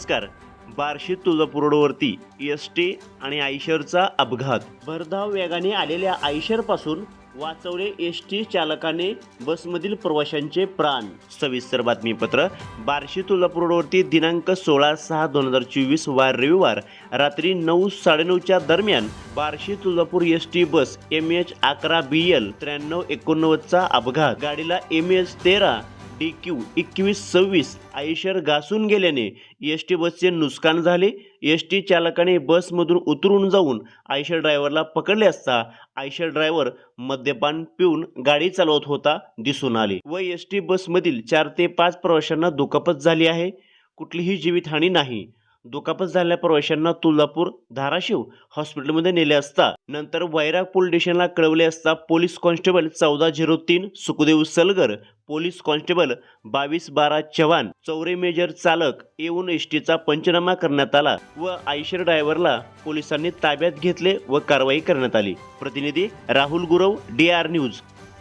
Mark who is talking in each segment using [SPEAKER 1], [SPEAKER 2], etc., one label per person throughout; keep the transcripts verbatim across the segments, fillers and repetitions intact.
[SPEAKER 1] नमस्कार. बार्शी तुळजापूर रोडवरती S T आणि आयशरचा अपघात. भरधाव वेगाने आलेल्या आयशरपासून वाचवले एस टी चालकाने बसमधील प्रवाशांचे प्राण. सविस्तर बातमीपत्र. बार्शी तुळजापूर रोडवरती दिनांक सोळा सहा दोन हजार चोवीस वार रविवार रात्री नऊ साडेनऊच्या दरम्यान Barshi Tuljapur S T bus M H अकरा बी एल त्र्याण्णव एकोणनव्वदचा अपघात. गाडीला एम एच तेरा डी क्यू एकवीस सव्वीस आयशर घासून गेल्याने एस टी बसचे नुकसान झाले. एस टी चालकाने बसमधून उतरून जाऊन आयशर ड्रायव्हरला पकडले असता आयशर ड्रायव्हर मद्यपान पिऊन गाडी चालवत होता दिसून आले व एस टी बसमधील चार ते पाच प्रवाशांना दुखापत झाली आहे. कुठलीही जीवितहानी नाही. दुखापत झालेल्या प्रवाशांना तुळजापूर धाराशिव हॉस्पिटलमध्ये नेले असता नंतर वैराग पोलीस स्टेशनला कळवले असता पोलीस कॉन्स्टेबल चौदा झिरो तीन सुखदेव सलगर, पोलीस कॉन्स्टेबल बावीस बारा चव्हाण, चौरे मेजर चालक येऊन एस टीचा पंचनामा करण्यात आला व आयशर ड्रायव्हरला पोलिसांनी ताब्यात घेतले व कारवाई करण्यात आली. प्रतिनिधी Rahul Gurav, D R news.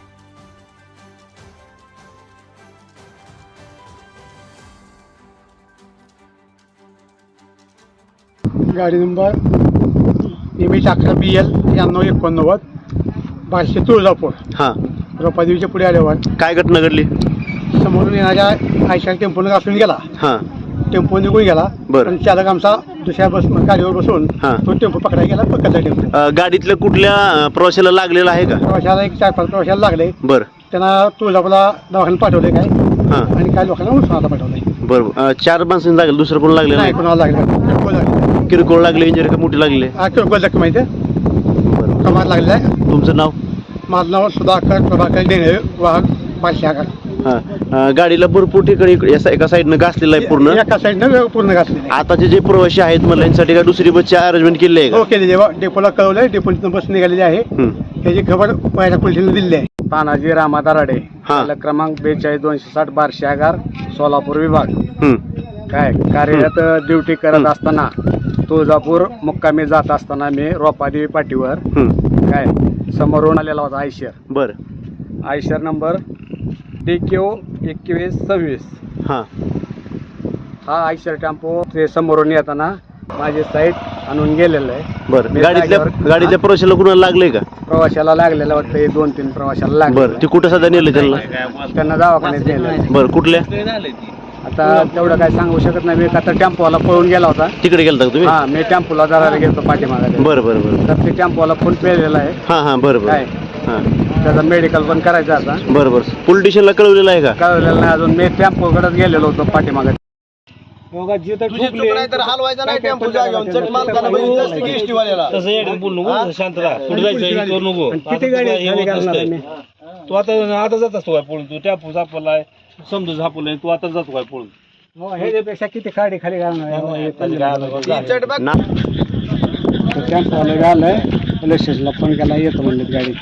[SPEAKER 2] गाडी नंबर एम एच अकरा बी एल त्र्याण्णव एकोणनव्वद बार्शी तुळजापूर.
[SPEAKER 1] हा,
[SPEAKER 2] रोपादेवीच्या पुढे आल्यावर
[SPEAKER 1] काय घटना घडली?
[SPEAKER 2] समोरून येणाऱ्या आयशर टेम्पोनं घासून गेला.
[SPEAKER 1] हा,
[SPEAKER 2] टेम्पो निघून गेला.
[SPEAKER 1] बरं.
[SPEAKER 2] पण चालक आमचा दुसऱ्या बस गाडीवर बसून
[SPEAKER 1] हा.
[SPEAKER 2] तो टेम्पो पकडायला गेला. पकडला टेम्पो.
[SPEAKER 1] अ, गाडीतल्या कुठल्या अ, प्रवाशाला लागलेला आहे का?
[SPEAKER 2] प्रवाशाला एक चार पाच प्रवाशाला लागले.
[SPEAKER 1] बर.
[SPEAKER 2] त्यांना तुळजापूरला दवाखान्यात पाठवले काय
[SPEAKER 1] हा,
[SPEAKER 2] आणि काही लोकांना उस्मानाला पाठवले.
[SPEAKER 1] बरोबर. चार माणसांनी लागले, दुसरं कोण लागले
[SPEAKER 2] नाही,
[SPEAKER 1] नाही?
[SPEAKER 2] कोणाला लागले किरकोळ लागले.
[SPEAKER 1] किरकोळ लागले, इंजरी का मोठी लागले?
[SPEAKER 2] हा, किरकोळ जखम माहिती आहे. कमार लागलेला आहे.
[SPEAKER 1] तुमचं नाव?
[SPEAKER 2] माझं नाव सुधाकर प्रभाकर डेंगळे, वाहक बार्शी आगार.
[SPEAKER 1] हा, अ, गाडीला भरपूर ठिकाणी इकडे एका- एका साईडनं घासलेलं आहे पूर्ण.
[SPEAKER 2] एका साईडनं पूर्ण घासलेलं आहे.
[SPEAKER 1] आताचे जे प्रवासी आहेत मला यांसाठी काय दुसरी बसची अरेंजमेंट केली आहे
[SPEAKER 2] हो
[SPEAKER 1] का?
[SPEAKER 2] केले जेव्हा डेपोला कळवलंय. डेपोची बस निघालेली आहे.
[SPEAKER 1] हं.
[SPEAKER 2] त्याची खबर पहिल्या पोलिसांनी दिली आहे. तानाजी रामा दराडे,
[SPEAKER 1] हा.
[SPEAKER 2] चालक क्रमांक बेचाळीस दोनशे साठ बार्शी आगार सोलापूर विभाग.
[SPEAKER 1] हं.
[SPEAKER 2] काय कार्यरत ड्युटी करत असताना तुळजापूर मुक्कामी जात असताना मी रोपादेवी पाटीवर
[SPEAKER 1] हं.
[SPEAKER 2] काय समोरून आलेला होता आयशर.
[SPEAKER 1] बर.
[SPEAKER 2] आयशर नंबर डी क्यू एकवीस सव्वीस.
[SPEAKER 1] हा,
[SPEAKER 2] हा आयशर टेम्पो ते समोरून येताना माझी साईड आणून गेलेलं आहे.
[SPEAKER 1] बर.
[SPEAKER 2] मी
[SPEAKER 1] गाडीतल्या
[SPEAKER 2] जागेवर-
[SPEAKER 1] गाडीतल्या प्रवाशाला कुणाला लागले का?
[SPEAKER 2] प्रवाशाला लागलेलं वाटतं. हे दोन तीन प्रवाशाला
[SPEAKER 1] बर.
[SPEAKER 2] लागलं.
[SPEAKER 1] ते कुठं सध्या नेलं त्यांना?
[SPEAKER 2] त्यांना दवाखान्यात नेलं.
[SPEAKER 1] बर. कुठल्या?
[SPEAKER 2] आता तेवढं काय सांगू शकत नाही. मी आता टेम्पोला पळून गेला होता.
[SPEAKER 1] तिकडे गेलता का तुम्ही?
[SPEAKER 2] हा, मी टेम्पोला जरा गेलो पाठीमागे.
[SPEAKER 1] बरं बरं बरं.
[SPEAKER 2] तर ते टेम्पोला फोन पेलेला आहे.
[SPEAKER 1] हा हा, बरं
[SPEAKER 2] काय
[SPEAKER 1] बरं. हा,
[SPEAKER 2] त्याचा मेडिकल पण करायचं आता.
[SPEAKER 1] बरं बरं. पोलीस स्टेशनला कळवलेलं आहे का?
[SPEAKER 2] कळलेलं नाही अजून. मी टेम्पोकडेच गेलेलो होतो पाठीमागे.
[SPEAKER 3] तू आता आता जात असतो काय पळून? तू टॅपू झापलाय, समजू झापलाय, तू आता जातो काय पळून?
[SPEAKER 2] ह्याच्यापेक्षा किती खाडी खाली घालणार.
[SPEAKER 1] ना
[SPEAKER 2] टेम्पोला घालय. पोलीस स्टेशनला फोन केला. येतो म्हणले गाडी.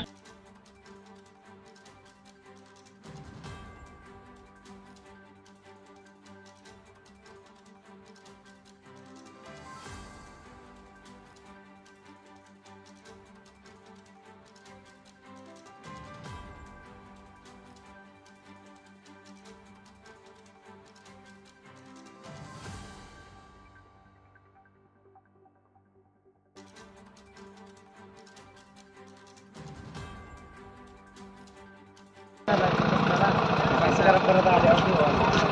[SPEAKER 2] परत आले